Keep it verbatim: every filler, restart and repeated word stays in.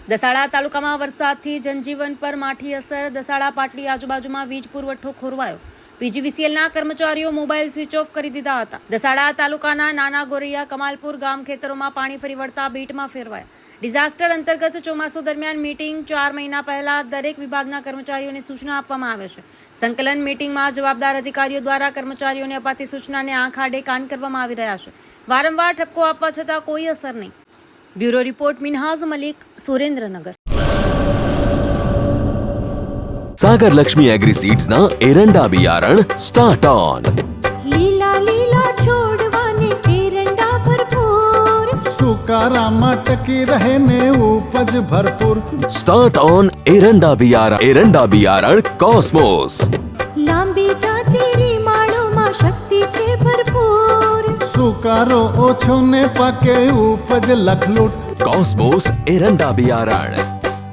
દસાડા તાલુકામાં વરસાદથી જનજીવન પર માઠી અસર. દસાડા પાટલી આજુબાજુમાં વીજ પુરવઠો ખોરવાયો. પીજીવીસીએલના કર્મચારીઓ મોબાઈલ સ્વિચ ઓફ કરી દીધા હતા. દસાડા તાલુકાના નાના ગોરૈયા કમાલપુર ગામ ખેતરોમાં પાણી ફરી વળતા બેટમાં ફેરવાયા. ડિઝાસ્ટર અંતર્ગત ચોમાસુ દરમિયાન મીટિંગ ચાર મહિના પહેલા દરેક વિભાગના કર્મચારીઓને સૂચના આપવામાં આવે છે. સંકલન મીટિંગમાં જવાબદાર અધિકારીઓ દ્વારા કર્મચારીઓને અપાતી સૂચનાને આંખ આડે કાન કરવામાં આવી રહ્યા છે. વારંવાર ઠપકો આપવા છતાં કોઈ અસર નહીં. Bureau report Minhaz Malik, Surendranagar. Sagar Lakshmi agri seeds ना एरंडा बियारण स्टार्ट ऑन. લીલા લીલા છોડવાને એરંડા ભરપૂર, સુકારામાં ટકી રહે ને ઉપજ ભરપૂર. स्टार्ट ऑन एरंडा बियारण. एरंડા बियारण कॉस्मोस. લાંબી જાચેરી માળોમાં શક્તિ છે ભરપૂર, સુકારો ઓછો ને પાકે ઉપજ લખલૂટ. कॉस्मोस एरंડા बियारण.